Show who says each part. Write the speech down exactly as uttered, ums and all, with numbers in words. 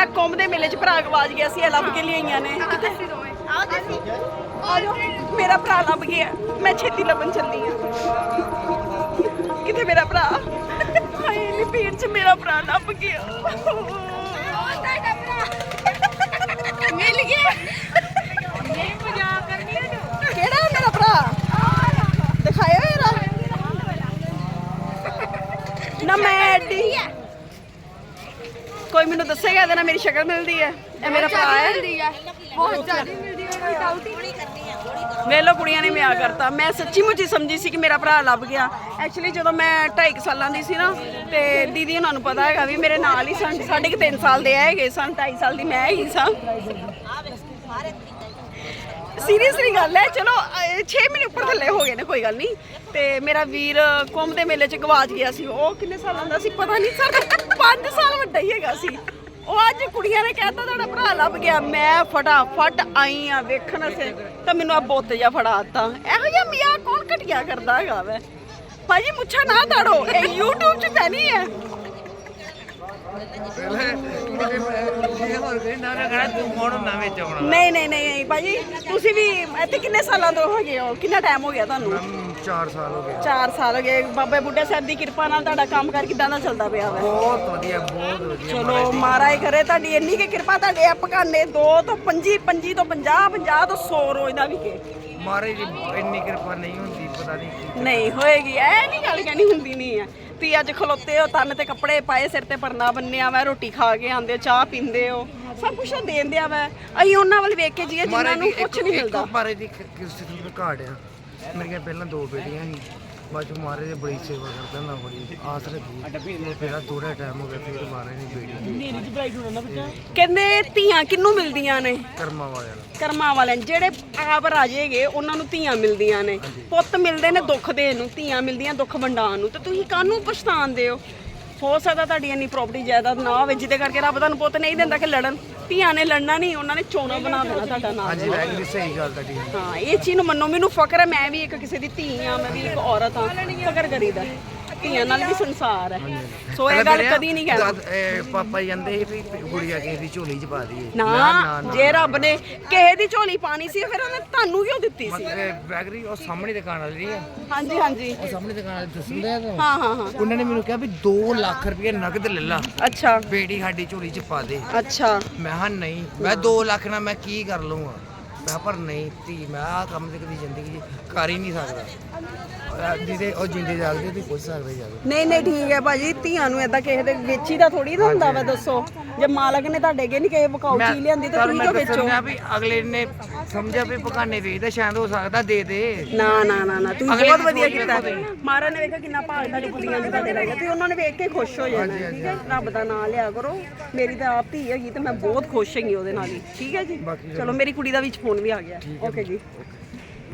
Speaker 1: ਮੇਰਾ ਕੁੰਭ ਦੇ ਮੇਲੇ 'ਚ ਭਰਾ ਗਵਾਚ ਗਿਆ ਸੀ, ਇਹ ਲੱਭ ਕੇ ਲਿਆਈਆਂ ਨੇ। ਮੇਰਾ ਭਰਾ ਲੱਭ ਗਿਆ, ਮੈਂ ਛੇਤੀ ਲੱਭਣ ਚੱਲੀ ਆ। ਕਿੱਥੇ ਮੇਰਾ ਭਰਾ? ਹਾਏ ਨੀ ਭੀੜ 'ਚ ਮੇਰਾ ਭਰਾ ਲੱਭ ਗਿਆ। ਮਿਲ ਗਿਆ।
Speaker 2: ਨਹੀਂ ਮਜ਼ਾਕ ਕਰਨੀ ਹੈ ਤੂੰ।
Speaker 1: ਕਿਹੜਾ ਮੇਰਾ ਭਰਾ? ਦਿਖਾਇਓ ਯਾਰ। ਨਾ ਮੈਂ ਐਡੀ ਕੋਈ ਮੈਨੂੰ ਦੱਸੇਗਾ ਇਹਦੇ ਨਾਲ ਮੇਰੀ ਸ਼ਕਲ ਮਿਲਦੀ ਹੈ? ਇਹ ਮੇਰਾ ਭਰਾ ਹੈ।
Speaker 2: ਬਹੁਤ ਜ਼ਿਆਦਾ ਮਿਲਦੀ ਹੈ, ਕੋਈ ਡਾਊਟ ਹੀ ਨਹੀਂ।
Speaker 1: ਵੇਲੋ ਕੁੜੀਆਂ ਨੇ ਵਿਆਹ ਕਰਤਾ। ਮੈਂ ਸੱਚੀ ਮੁੱਚੀ ਸਮਝੀ ਸੀ ਕਿ ਮੇਰਾ ਭਰਾ ਲੱਭ ਗਿਆ। ਐਕਚੁਅਲੀ ਜਦੋਂ ਮੈਂ ਢਾਈ ਸਾਲਾਂ ਦੀ ਸੀ ਨਾ, ਤੇ ਦੀਦੀ ਉਹਨਾਂ ਨੂੰ ਪਤਾ ਹੈਗਾ ਵੀ ਮੇਰੇ ਨਾਲ ਹੀ ਸਨ, ਸਾਢੇ ਕੁ ਤਿੰਨ ਸਾਲ ਦੇ ਹੈਗੇ ਸਨ, ਢਾਈ ਸਾਲ ਦੀ ਮੈਂ ਹੀ ਸਾਂ। ਸੀਰੀਅਸਲੀ ਗੱਲ ਹੈ। ਚਲੋ ਛੇ ਮਹੀਨੇ ਉੱਪਰ ਥੱਲੇ ਹੋ ਗਏ ਨੇ, ਕੋਈ ਗੱਲ ਨਹੀਂ। ਤੇ ਮੇਰਾ ਵੀਰ ਕੁੰਭ ਦੇ ਮੇਲੇ 'ਚ ਗਵਾਚ ਗਿਆ ਸੀ। ਉਹ ਕਿੰਨੇ ਸਾਲਾਂ ਦਾ ਸੀ ਪਤਾ ਨਹੀਂ, ਸਰ ਪੰਜ ਸਾਲ ਵੱਡਾ ਹੀ ਹੈਗਾ ਸੀ ਉਹ। ਅੱਜ ਕੁੜੀਆਂ ਨੇ ਕਹਿਤਾ ਤੁਹਾਡਾ ਭਰਾ ਲੱਭ ਗਿਆ। ਮੈਂ ਫਟਾਫਟ ਆਈ ਆ ਵੇਖਣ ਸੇ, ਤਾਂ ਮੈਨੂੰ ਆ ਬੁੱਤ ਜਿਹਾ ਫੜਾ ਦਿੱਤਾ। ਇਹੋ ਜਿਹਾ ਮੀਆਂ ਕੌਣ ਘਟੀਆ ਕਰਦਾ ਹੈਗਾ ਵੈ? ਭਾਜੀ ਮੁੱਛਾਂ ਨਾ ਦਾੜੋ, ਇਹ YouTube 'ਚ ਪੈਣੀ ਹੈ। ਨਹੀਂ ਨਹੀਂ ਨਹੀਂ ਭਾਜੀ, ਤੁਸੀਂ ਵੀ ਇੱਥੇ ਕਿੰਨੇ ਸਾਲਾਂ ਤੋਂ ਹੈਗੇ ਹੋ? ਕਿੰਨਾ ਟਾਈਮ ਹੋ ਗਿਆ ਤੁਹਾਨੂੰ?
Speaker 3: ਚਾਰ ਸਾਲ ਹੋ ਗਏ।
Speaker 1: ਚਾਰ ਸਾਲ ਹੋ ਗਏ। ਬਾਬਾ ਬੁੱਢਾ ਸਾਹਿਬ ਦੀ ਕਿਰਪਾ ਨਾਲ ਤੁਹਾਡਾ ਕੰਮ ਕਰ ਕਿੱਦਾਂ ਦਾ ਚੱਲਦਾ ਪਿਆ ਵਾ?
Speaker 3: ਬਹੁਤ ਵਧੀਆ, ਬਹੁਤ ਵਧੀਆ।
Speaker 1: ਚਲੋ ਮਹਾਰਾਜ ਕਰੇ ਤੁਹਾਡੀ ਇੰਨੀ ਕਿ ਕਿਰਪਾ, ਤੁਹਾਡੇ ਆ ਪਕਾਨੇ ਦੋ ਤੋਂ ਪੰਜੀ, ਪੰਜੀ ਤੋਂ ਪੰਜਾਹ, ਪੰਜਾਹ ਤੋਂ ਸੌ ਰੋਜ਼ ਦਾ ਵਿਕੇ।
Speaker 3: ਮਹਾਰਾਜ ਦੀ ਇੰਨੀ ਕਿਰਪਾ ਨਹੀਂ ਹੁੰਦੀ, ਪਤਾ ਨਹੀਂ
Speaker 1: ਨਹੀਂ ਹੋਏਗੀ। ਇਹ ਨਹੀਂ ਗੱਲ ਕਹਿਣੀ ਹੁੰਦੀ ਨਹੀਂ ਆ। ਤੁਸੀਂ ਅੱਜ ਖਲੋਤੇ ਹੋ, ਤਨ ਤੇ ਕੱਪੜੇ ਪਾਏ, ਸਿਰ ਤੇ ਪਰਨਾ ਬੰਨਿਆ ਵਾ, ਰੋਟੀ ਖਾ ਕੇ ਆਉਂਦੇ ਹੋ, ਚਾਹ ਪੀਂਦੇ ਹੋ, ਸਭ ਕੁਝ ਉਹ ਦੇਣ ਦਿਆ ਵਾ। ਅਸੀਂ ਉਹਨਾਂ ਵੱਲ ਵੇਖ ਕੇ ਜੀਏ ਜਿਨ੍ਹਾਂ ਨੂੰ ਕੁਝ ਨਹੀਂ ਮਿਲਦਾ।
Speaker 3: ਮਹਾਰਾਜ ਦੀ ਕਿਰਪਾ ਦੀ ਘਾਟ ਆ। ਮੇਰੀਆਂ ਪਹਿਲਾਂ ਦੋ ਬੇਟੀਆਂ ਸੀ, ਬਾਅਦ ਚ ਮਹਾਰਾਜ ਦੀ ਬੜੀ ਸੇਵਾ ਕਰਦਾ ਨਾ, ਬੜੀ ਆਸ ਰੱਖੀ। ਮੇਰਾ ਥੋੜਾ ਟਾਈਮ ਹੋ ਗਿਆ, ਫਿਰ ਮਹਾਰਾਜ ਦੀ ਬੇਟੀ
Speaker 1: ਕਹਿੰਦੇ ਧੀਆਂ ਕਿਹਨੂੰ ਮਿਲਦੀਆਂ ਨੇ?
Speaker 3: ਕਰਮਾਂ ਵਾਲਿਆਂ ਨੂੰ।
Speaker 1: ਕਰਮਾਂ ਵਾਲਿਆਂ ਨੂੰ। ਜਿਹੜੇ ਆਪ ਰਾਜੇਗੇ ਉਹਨਾਂ ਨੂੰ ਧੀਆਂ ਮਿਲਦੀਆਂ ਨੇ। ਪੁੱਤ ਮਿਲਦੇ ਨੇ ਦੁੱਖ ਦੇਣ ਨੂੰ, ਧੀਆਂ ਮਿਲਦੀਆਂ ਦੁੱਖ ਵੰਡਾਉਣ ਨੂੰ। ਤੇ ਤੁਸੀਂ ਕਾਹਨੂੰ ਪਛਤਾਉਂਦੇ ਹੋ? ਹੋ ਸਕਦਾ ਤੁਹਾਡੀ ਇੰਨੀ ਪ੍ਰਾਪਰਟੀ ਜਾਇਦਾਦ ਨਾ ਹੋਵੇ ਜਿਹਦੇ ਕਰਕੇ ਰੱਬ ਤੁਹਾਨੂੰ ਪੁੱਤ ਨਹੀਂ ਦਿੰਦਾ ਕਿ ਲੜਨ। ਧੀਆਂ ਨੇ ਲੜਨਾ ਨਹੀਂ, ਉਹਨਾਂ ਨੇ ਚੋਣਾ ਬਣਾ ਦੇਣਾ ਤੁਹਾਡਾ ਨਾਮ।
Speaker 3: ਹਾਂਜੀ ਵੈਗਰੀ ਸਹੀ ਗੱਲ ਤੁਹਾਡੀ।
Speaker 1: ਹਾਂ ਇਹ ਚੀਜ਼ ਨੂੰ ਮੰਨੋ, ਮੈਨੂੰ ਫਕਰ ਹੈ। ਮੈਂ ਵੀ ਇੱਕ ਕਿਸੇ ਦੀ ਧੀ ਆ, ਮੈਂ ਵੀ ਇੱਕ ਔਰਤ ਹਾਂ। ਫਕਰ ਕਰੀਦਾ, ਧੀਆਂ ਨਾਲ ਵੀ ਸੰਸਾਰ ਹੈ। ਸੋ ਇਹ ਗੱਲ ਕਦੀ ਨਹੀਂ ਕਹਿਣਾ।
Speaker 3: ਪਾਪਾ ਜਾਂਦੇ ਸੀ ਵੀ ਗੁੜੀਆ ਕਿਸੇ ਦੀ ਝੋਲੀ ਚ ਪਾ ਦਈਏ।
Speaker 1: ਨਾ, ਜੇ ਰੱਬ ਨੇ ਕਿਸੇ ਦੀ ਝੋਲੀ ਪਾਣੀ ਸੀ ਫਿਰ ਉਹਨੇ ਤੁਹਾਨੂੰ ਕਿਉਂ ਦਿੱਤੀ ਸੀ?
Speaker 3: ਵੈਗਰੀ ਉਹ ਸਾਹਮਣੇ ਦੁਕਾਨ ਵਾਲੀ ਹੈ।
Speaker 1: ਹਾਂਜੀ ਹਾਂਜੀ,
Speaker 3: ਉਹ ਸਾਹਮਣੇ ਦੁਕਾਨ ਵਾਲੇ ਦੱਸਦੇ ਆ।
Speaker 1: ਹਾਂ ਹਾਂ ਹਾਂ।
Speaker 3: ਉਹਨਾਂ ਨੇ ਮੈਨੂੰ ਕਿਹਾ ਵੀ ਦੋ ਲੱਖ ਰੁਪਏ ਨਗਦ ਲੈ ਲਾ,
Speaker 1: ਅੱਛਾ
Speaker 3: ਬੇਟੀ ਸਾਡੀ ਝੋਲੀ ਚ ਪਾ ਦੇ।
Speaker 1: ਅੱਛਾ।
Speaker 3: ਮੈਂ ਹਾਂ ਨਹੀਂ, ਮੈਂ ਦੋ ਲੱਖ ਨਾਲ ਮੈਂ ਕੀ ਕਰ ਲਊਂਗਾ। ਮੈਂ ਪਰ ਨਹੀਂ ਧੀ, ਮੈਂ ਆਹ ਕੰਮ ਤੇ ਕਦੀ ਜ਼ਿੰਦਗੀ 'ਚ ਕਰ ਹੀ ਨਹੀਂ ਸਕਦਾ। ਜਿਹਦੇ ਉਹ ਜਿੰਦੇ ਜਾਗਦੇ ਤੁਸੀਂ ਪੁੱਛ ਸਕਦੇ ਜਾ ਕੇ।
Speaker 1: ਨਹੀਂ ਨਹੀਂ ਠੀਕ ਹੈ ਭਾਜੀ, ਧੀਆਂ ਨੂੰ ਏਦਾਂ ਕਿਸੇ ਦੇ ਵੇਚੀ ਦਾ ਥੋੜੀ ਨਾ ਹੁੰਦਾ ਵਾ। ਦੱਸੋ, ਜੇ ਮਾਲਕ ਨੇ ਤੁਹਾਡੇ ਅੱਗੇ ਨਹੀਂ ਕਿਸੇ ਵਿਕਾਊ ਚੀਜ਼ ਲਿਆਂਦੀ ਤਾਂ ਤੁਸੀਂ ਕਿਉਂ ਵੇਚੋ?
Speaker 3: ਵੀ ਅਗਲੇ ਨੇ ਸਮਝਿਆ ਵੀ ਪਕਾਨੇ ਵੇਚਦਾ, ਸ਼ਾਇਦ ਹੋ ਸਕਦਾ ਦੇ ਦੇ।
Speaker 1: ਨਾ ਨਾ ਨਾ ਨਾ, ਤੁਸੀਂ ਬਹੁਤ ਵਧੀਆ ਕੀਤਾ। ਮਹਾਰਾਜ ਨੇ ਵੇਖਿਆ ਕਿੰਨਾ ਭਾਗ ਤੁਹਾਡੀ ਕੁੜੀਆਂ ਦੇ ਤੁਹਾਡੇ ਰਹਿ ਗਿਆ, ਤੇ ਉਹਨਾਂ ਨੇ ਵੇਖ ਕੇ ਖੁਸ਼ ਹੋ ਜਾਣਾ। ਠੀਕ ਹੈ, ਰੱਬ ਦਾ ਨਾਮ ਲਿਆ ਕਰੋ। ਮੇਰੀ ਤਾਂ ਆਪ ਧੀ ਹੈਗੀ ਤੇ ਮੈਂ ਬਹੁਤ ਖੁਸ਼ ਹੈਗੀ ਉਹਦੇ ਨਾਲ ਹੀ। ਠੀਕ ਹੈ ਜੀ, ਚਲੋ ਮੇਰੀ ਕੁੜੀ ਦਾ ਵਿੱਚ ਫੋਨ ਵੀ ਆ ਗਿਆ। ਓਕੇ ਜੀ।